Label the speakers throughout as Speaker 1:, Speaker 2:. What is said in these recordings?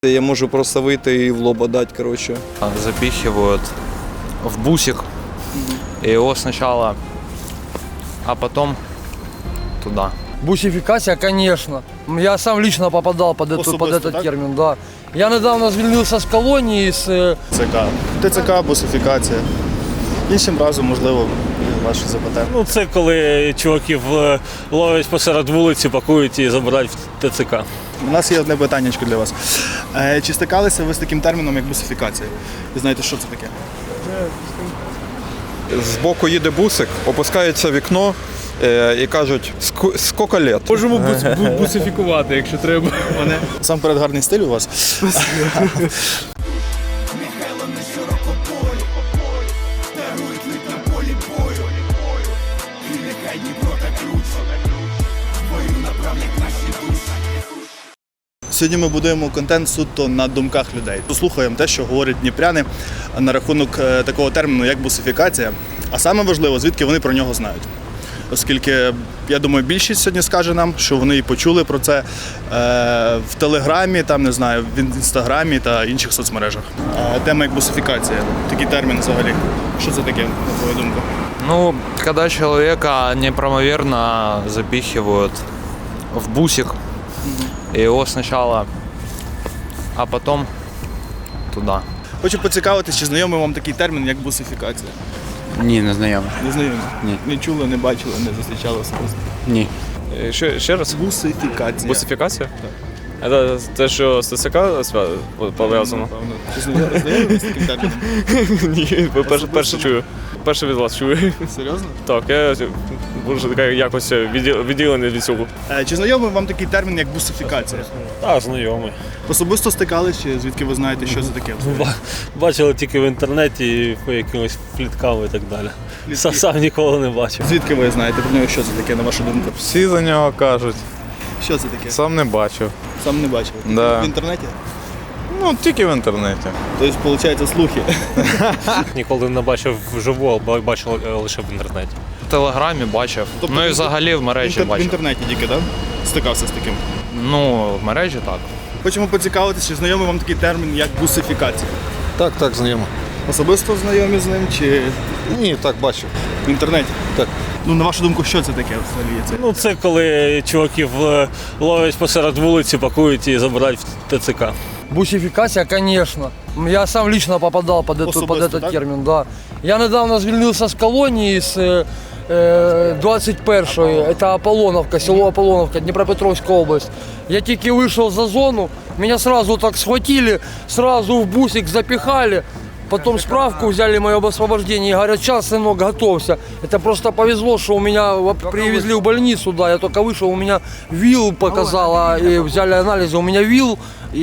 Speaker 1: Я можу просто вийти і в лоба дати, коротше.
Speaker 2: Запихивают в бусик, и его сначала, а потом туда.
Speaker 3: Бусификация, конечно. Я сам лично попадал под этот
Speaker 4: так?
Speaker 3: термин, да. Я недавно звільнився з колонії, з
Speaker 4: ЦК. ТЦК, бусифікація. Іншим разом, можливо, ваші запитання.
Speaker 5: Ну, це коли чуваків ловлять посеред вулиці, пакують і забирають в ТЦК.
Speaker 4: У нас є одне питаннячко для вас. Чи стикалися ви з таким терміном, як бусифікація? І знаєте, що це таке?
Speaker 1: Збоку їде бусик, опускається вікно і кажуть, скільки лет?
Speaker 6: Можемо бусифікувати, якщо треба.
Speaker 4: Насамперед гарний стиль у вас. Сьогодні ми будуємо контент суто на думках людей. Послухаємо те, що говорять дніпряни на рахунок такого терміну, як бусифікація. А саме важливо, звідки вони про нього знають. Оскільки, я думаю, більшість сьогодні скаже нам, що вони і почули про це в Телеграмі, там, не знаю, в Інстаграмі та інших соцмережах. Тема як бусифікація, такий термін взагалі. Що це таке, на твою думку?
Speaker 2: Ну, когда человека неправомерно запихивают в бусик, и его сначала, а потом туда.
Speaker 4: Хочу поцікавитись, чи знайомий вам такий термін, як бусифікація?
Speaker 7: Ні, не знайомий.
Speaker 4: Не знайомі?
Speaker 7: Ні.
Speaker 4: Не чули, не бачили, не зустрічали особисто?
Speaker 7: Ні.
Speaker 6: Ще раз?
Speaker 4: Бусифікація.
Speaker 6: Бусифікація? Це те, що з ТЦК пов'язано?
Speaker 4: Напевно. Чи знайомі з таким терміном?
Speaker 6: Ні, перше чую. Перше від вас чую.
Speaker 4: Серйозно?
Speaker 6: Так, я вже якось відділений від цього.
Speaker 4: Чи знайомий вам такий термін, як бусифікація?
Speaker 5: Так, знайомий.
Speaker 4: Особисто стикались, чи звідки ви знаєте, що це таке?
Speaker 5: Бачили тільки в інтернеті і по якимось фліткам і так далі. Сам ніколи не бачив.
Speaker 4: Звідки ви знаєте про нього, що це таке, на вашу думку?
Speaker 8: Всі за нього кажуть.
Speaker 4: Що це таке?
Speaker 8: Сам не бачив.
Speaker 4: Сам не бачив.
Speaker 8: Да.
Speaker 4: В інтернеті?
Speaker 8: Ну, тільки в інтернеті.
Speaker 4: Тобто, виходить, слухи.
Speaker 5: Ніколи не бачив вживу, а бачив лише в інтернеті.
Speaker 2: В Телеграмі бачив, ну і взагалі в мережі
Speaker 4: В
Speaker 2: бачив.
Speaker 4: інтернеті тільки, так? Стикався з таким.
Speaker 2: Ну, в мережі так.
Speaker 4: Хочемо поцікавитися, чи знайомий вам такий термін, як бусифікація?
Speaker 8: Так, знайомо.
Speaker 4: Особисто знайомі з ним, чи
Speaker 8: Ні, так бачив.
Speaker 4: в інтернеті?
Speaker 8: Так.
Speaker 4: Ну, на вашу думку, що це таке взагалі? Це?
Speaker 5: Ну, це коли чуваків ловлять посеред вулиці, пакують і забирають в ТЦК.
Speaker 3: бусификация, конечно. Я сам лично попадал под
Speaker 4: Особисто,
Speaker 3: этот
Speaker 4: так?
Speaker 3: термин, да. Я недавно звільнився з колонії, з 21-ї, это Аполлоновка, село Аполлоновка, Днепропетровская область. Я тільки вышел за зону, меня сразу так схватили, сразу в бусик запихали. Потом справку взяли мое об освобождении и говорят, сейчас, сынок, готовься. Это просто повезло, что у меня привезли в больницу, да, я только вышел, у меня ВИЛ показала, и взяли анализы, у меня ВИЛ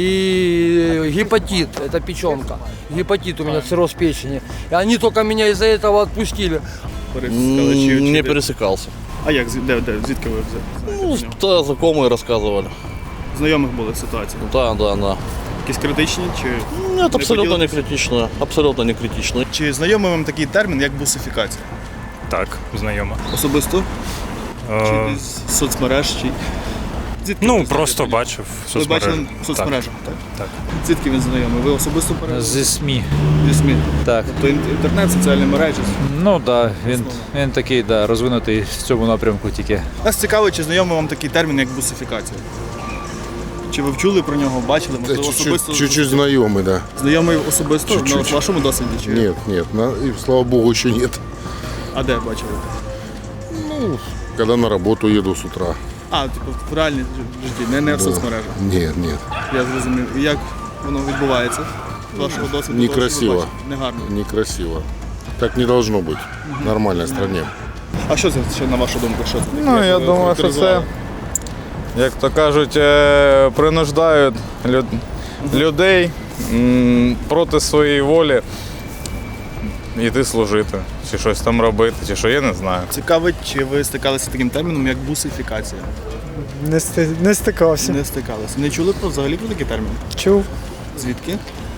Speaker 3: и гепатит, это печенка. Гепатит у меня, цирроз печени. И они только меня из-за этого отпустили.
Speaker 4: Пересікали, чи
Speaker 7: Не
Speaker 4: де?
Speaker 7: пересекался.
Speaker 4: А як? Звідки ви взяли?
Speaker 7: Ну, то знакомые рассказывали.
Speaker 4: Знайомих були ситуації?
Speaker 7: Да.
Speaker 4: Якісь критичні? Чи
Speaker 7: Нет, абсолютно
Speaker 4: поділитесь?
Speaker 7: не критично. Абсолютно не критично.
Speaker 4: Чи знайомий вам такий термін, як бусифікація?
Speaker 6: Так, знайомо.
Speaker 4: Особисто? Чи з соцмереж? Чи... Звідки ви
Speaker 6: Ну,
Speaker 4: знаєте
Speaker 6: просто
Speaker 4: про нього?
Speaker 6: бачив в
Speaker 4: Ви бачили
Speaker 6: соцмережах.
Speaker 4: в соцмережах, так?
Speaker 6: Так.
Speaker 4: Звідки він знайомий? Ви особисто
Speaker 9: Зі СМІ.
Speaker 4: зі СМІ?
Speaker 9: Так.
Speaker 4: Тобто інтернет, соціальні мережі.
Speaker 9: Ну так, він такий розвинутий в цьому напрямку тільки.
Speaker 4: Нас цікаво, чи знайомий вам такий термін, як бусифікація? Чи ви вчули про нього, бачили? Можливо, особисто
Speaker 10: Чуть-чуть знакомый, да.
Speaker 4: знайомий особисто
Speaker 10: Чуть-чуть.
Speaker 4: на вашому досвіді? Чи...
Speaker 10: Нет, и, слава богу, еще нет.
Speaker 4: А де бачили?
Speaker 10: Когда на работу еду с утра.
Speaker 4: А, типу, в реальній житті, не в соцмережах.
Speaker 10: Нет.
Speaker 4: Я зрозумів. І як воно відбувається? З вашого досвіду?
Speaker 10: Некрасиво.
Speaker 4: того, що ви бачите? Негарно.
Speaker 10: Некрасиво. Так не должно быть в нормальной стране.
Speaker 4: А що це ще, на вашу думку? Що це таке?
Speaker 8: Ну,
Speaker 4: Як
Speaker 8: я
Speaker 4: ви
Speaker 8: думаю, що це,
Speaker 4: характеризували?
Speaker 8: як то кажуть, принуждають людей проти своєї волі йти служити, чи щось там робити, чи що, я не знаю.
Speaker 4: Цікавить, чи ви стикалися з таким терміном, як бусифікація?
Speaker 11: Не стикався.
Speaker 4: Не стикалися. Не чули взагалі про такий термін?
Speaker 11: Чув
Speaker 4: Звідки?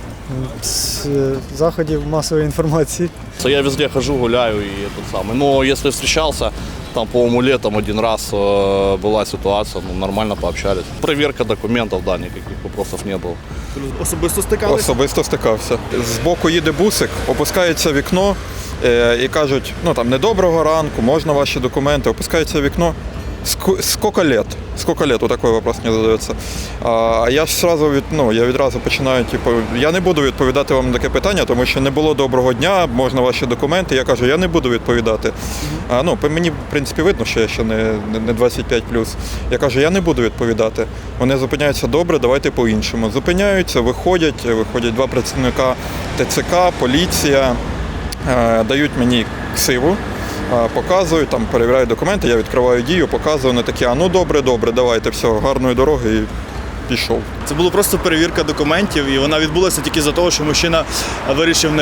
Speaker 11: з заходів масової інформації.
Speaker 7: Я везде хожу, гуляю и этот самый. Но если встречался, Там, по-моему, летом один раз была ситуация, ну, нормально пообщались. Проверка документов, да, никаких вопросов не было.
Speaker 4: Особисто стикалися?
Speaker 1: Особисто стикався. Збоку їде бусик, опускається вікно і кажуть, ну там недоброго ранку, можна ваші документи, опускається вікно. Сколько лет? Сколько лет? Вот такой вопрос мне задается. А я ж сразу я відразу починаю, типу, я не буду відповідати вам на таке питання, тому що не було доброго дня, можна ваші документи. Я кажу, я не буду відповідати. По мені, в принципі, видно, що я ще не 25+. Я кажу, я не буду відповідати. Вони зупиняються, добре, давайте по-іншому. Зупиняються, виходять два працівника ТЦК, поліція, дають мені ксиву. Показую, там перевіряю документи, я відкриваю Дію, показую, вони такі, ну добре, давайте, все, гарної дороги і пішов.
Speaker 4: Це була просто перевірка документів, і вона відбулася тільки за того, що мужчина вирішив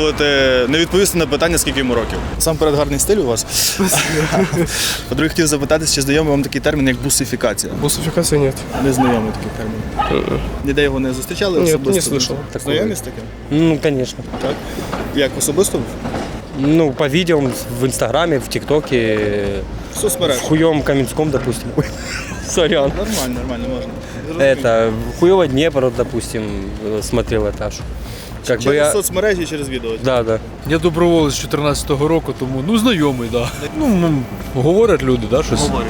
Speaker 4: не відповісти на питання, скільки йому років. Сам перед гарний стиль у вас. По-друге, хотів запитати, чи знайомий вам такий термін, як бусифікація?
Speaker 11: Бусификации нет.
Speaker 4: Не знайомий такий термін. Ніде його не зустрічали?
Speaker 11: Ні,
Speaker 4: особисто?
Speaker 11: не слышал.
Speaker 4: Знайомі з таким?
Speaker 3: Ну, конечно.
Speaker 4: Так. Як особисто?
Speaker 3: Ну, по видео в Инстаграме, в ТикТоке,
Speaker 4: В соцмережах?
Speaker 3: в хуёвом Каменском, допустим. Сорян.
Speaker 4: Нормально, можна.
Speaker 3: Это, в хуёво Днепр, допустим, смотрел этаж. Как бы
Speaker 4: Через
Speaker 3: я...
Speaker 4: соцмережі, через відео?
Speaker 3: Да.
Speaker 9: Я доброволець з 14-го року, тому знайомий, да. Говорять люди, да, щось.
Speaker 4: Говорять.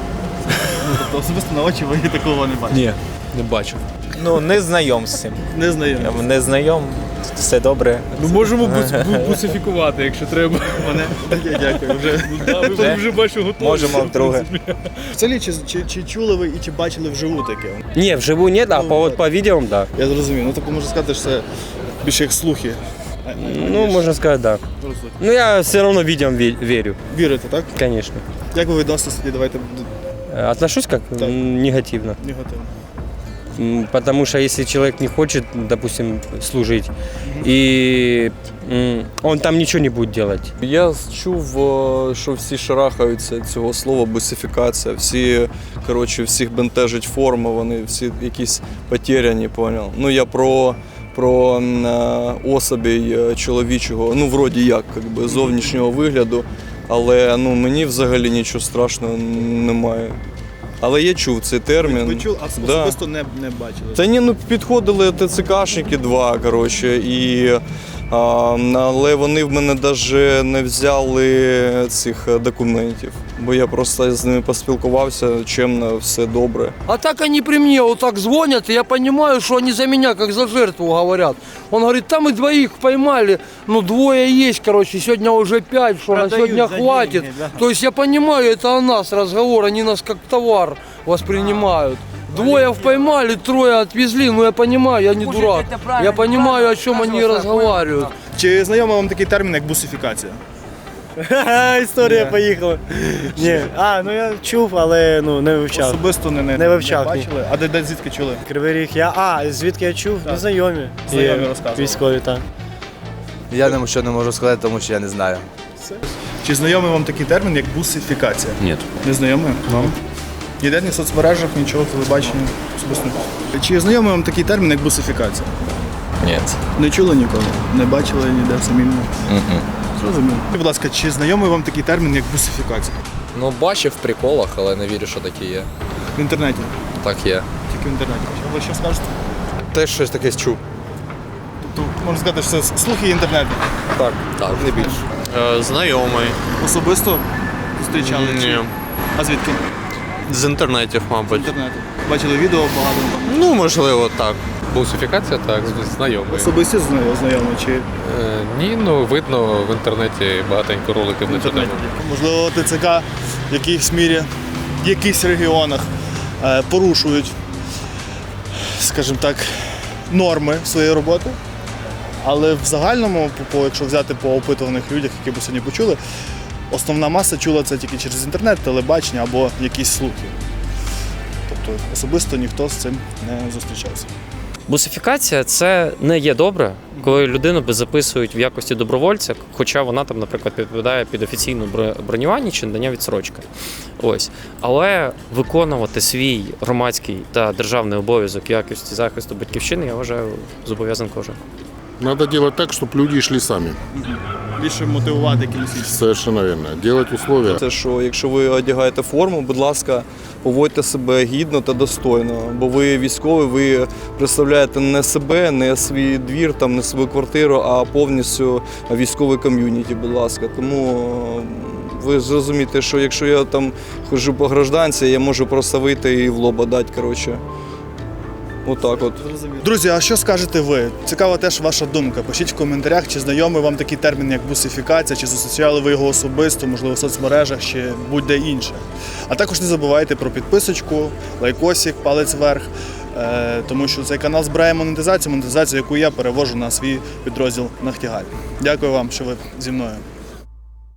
Speaker 4: Тобто особисто на очі ви такого не бачите?
Speaker 9: Ні, не бачив.
Speaker 12: Ну, не знайом з цим.
Speaker 4: Не знайомі.
Speaker 12: Не знайом, все добре.
Speaker 9: Ну можемо бусифікувати, якщо треба.
Speaker 4: Мене? Дякую.
Speaker 9: Вже бачу готові.
Speaker 12: Можемо вдруге.
Speaker 4: Взагалі, чи чули ви і чи бачили вживу таке?
Speaker 3: Не, вживую нет, а по видео, да.
Speaker 4: Я зрозумів. Ну, так можна сказати, що це більше як слухи.
Speaker 3: Ну, можно сказать, да. Но я все равно видео верю,
Speaker 4: Вірите, так?
Speaker 3: конечно.
Speaker 4: Як ви відноситесь тоді, давайте
Speaker 3: Отношусь как
Speaker 4: Так.
Speaker 3: негативно.
Speaker 4: негативно.
Speaker 3: Потому что если человек не хочет, допустим, служить, и он там ничего не будет делать.
Speaker 6: Я чув, що всі шарахаються цього слова бусифікація. Всіх бентежить форма, вони всі якісь потеряні, поняв. Ну я про особій чоловічого, ну вроді як, зовнішнього вигляду, але мені взагалі нічого страшного немає. Але я чув цей термін.
Speaker 4: Ви чули, а особисто не бачили?
Speaker 6: Та ні, підходили ТЦКшники два, але вони в мене навіть не взяли цих документів, бо я просто з ними поспілкувався, чемно, все добре.
Speaker 3: А так они при мне вот так звонят, и я понимаю, что они за меня, как за жертву говорят. Он говорит, там мы двоих поймали, двое есть, сегодня уже 5, что на сегодня хватит. То есть я понимаю, это о нас разговор, они нас как товар воспринимают. Двое поймали, трое отвезли, я понимаю, я не дурак. Я понимаю, о чем они разговаривают.
Speaker 4: Чи знайомий вам такий термін, як бусифікація?
Speaker 3: Історія поїхала. Ні. Я чув, але не вивчав.
Speaker 4: Особисто
Speaker 3: Не вивчав, ні.
Speaker 4: бачили? А де звідки чули?
Speaker 3: Кривий Ріг, звідки я чув? Знайомі.
Speaker 4: Знайомі розказували.
Speaker 3: Військові, так.
Speaker 12: Я нічого не можу сказати, тому що я не знаю.
Speaker 4: Чи знайомий вам такий термін, як бусифікація?
Speaker 7: Нет.
Speaker 4: Не знайомий? Вам? Ніде ні в соцмережах, нічого, телебачення, особисто. Чи знайомий вам такий термін, як бусифікація?
Speaker 12: Ні.
Speaker 4: Не чули ніколи? Не бачили ніде самі? Зрозуміло. Будь ласка, чи знайомий вам такий термін, як бусифікація?
Speaker 2: Ну, бачив в приколах, але не вірю, що такі є.
Speaker 4: В інтернеті?
Speaker 2: Так є.
Speaker 4: Тільки в інтернеті. Ви що скажете?
Speaker 2: Теж щось таке чув.
Speaker 4: Тобто, можна сказати, що це слухи інтернету?
Speaker 2: Так, не більше.
Speaker 6: Знайомий.
Speaker 4: Особисто зустрічали?
Speaker 6: Ні.
Speaker 4: А звідки?
Speaker 6: З інтернетів,
Speaker 4: В
Speaker 6: мабуть.
Speaker 4: інтернеті. Бачили відео багато?
Speaker 6: Ну, можливо, так.
Speaker 2: Бусифікація, так, знайомий.
Speaker 4: Особисто знайомі чи
Speaker 2: Ні, видно в інтернеті багатенько роликів на цю тему.
Speaker 4: можливо ТЦК в якійсь мірі, в якихось регіонах порушують, скажімо так, норми своєї роботи. Але в загальному, якщо взяти по опитуваних людях, які ви сьогодні почули, основна маса чула це тільки через інтернет, телебачення або якісь слухи. Тобто особисто ніхто з цим не зустрічався.
Speaker 13: Бусифікація – це не є добре, коли людину записують в якості добровольця, хоча вона там, наприклад, підпадає під офіційне бронювання чи надання відсрочки. Ось. Але виконувати свій громадський та державний обов'язок в якості захисту батьківщини, я вважаю, зобов'язан кожен.
Speaker 10: Надо делать так, чтобы люди шли сами.
Speaker 4: більше мотивувати якимось іншим.
Speaker 10: Совершенно верно. Делать условия.
Speaker 6: Це що, якщо ви одягаєте форму, будь ласка, поводьте себе гідно та достойно, бо ви військові, ви представляєте не себе, не свій двір, там, не свою квартиру, а повністю військовий ком'юніті, будь ласка. Тому ви зрозумієте, що якщо я там ходжу по гражданці, я можу просто вийти і в лоба дати, коротше. Отак от.
Speaker 4: Друзі, а що скажете ви? Цікава теж ваша думка. Пишіть в коментарях, чи знайомий вам такий термін, як бусифікація, чи зустрічали ви його особисто, можливо, в соцмережах, чи будь-де інше. А також не забувайте про підписочку, лайкосик, палець вверх, тому що цей канал збирає монетизацію, яку я перевожу на свій підрозділ «Нахтігаль». Дякую вам, що ви зі мною.